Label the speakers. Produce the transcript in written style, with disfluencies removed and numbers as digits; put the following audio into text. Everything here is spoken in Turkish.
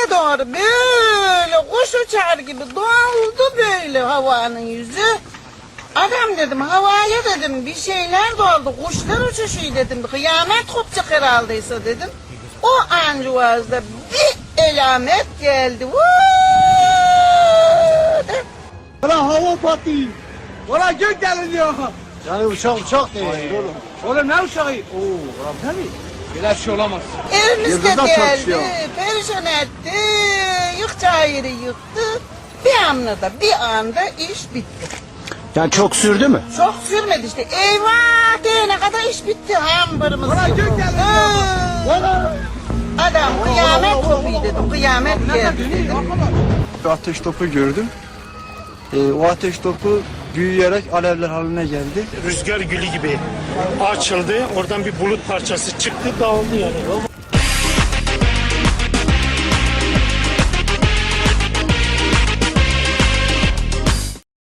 Speaker 1: Göğe doğru böyle kuş uçar gibi doldu böyle havanın yüzü. Adam dedim havaya dedim bir şeyler doldu, kuşlar uçuşuyor dedim. Kıyamet kopacak herhaldeyse dedim. O ancuvazda bir elamet geldi.
Speaker 2: Valla hava patlayın. Valla gök deliniyor.
Speaker 3: Yani uçak değil oğlum.
Speaker 2: Oğlum ne uçağı? Oo, tabii. Böyle şey olamaz.
Speaker 1: Evimizde
Speaker 3: Yıldızlar
Speaker 1: geldi,
Speaker 3: çalışıyor.
Speaker 1: perişan etti, yıkacağı yeri yıktı. Bir anda iş bitti.
Speaker 3: Yani çok sürdü mü?
Speaker 1: Çok sürmedi işte. Eyvah diyene kadar iş bitti. Hamburumuz
Speaker 2: Valla
Speaker 1: yok.
Speaker 2: gök deliniyor.
Speaker 3: Valla.
Speaker 1: Adam kıyamet kopuyor dedim. Kıyamet geldi dedim.
Speaker 4: Ateş topu gördüm. O ateş topu büyüyerek alevler haline geldi.
Speaker 5: Rüzgar gülü gibi açıldı. Oradan bir bulut parçası çıktı, dağıldı yani.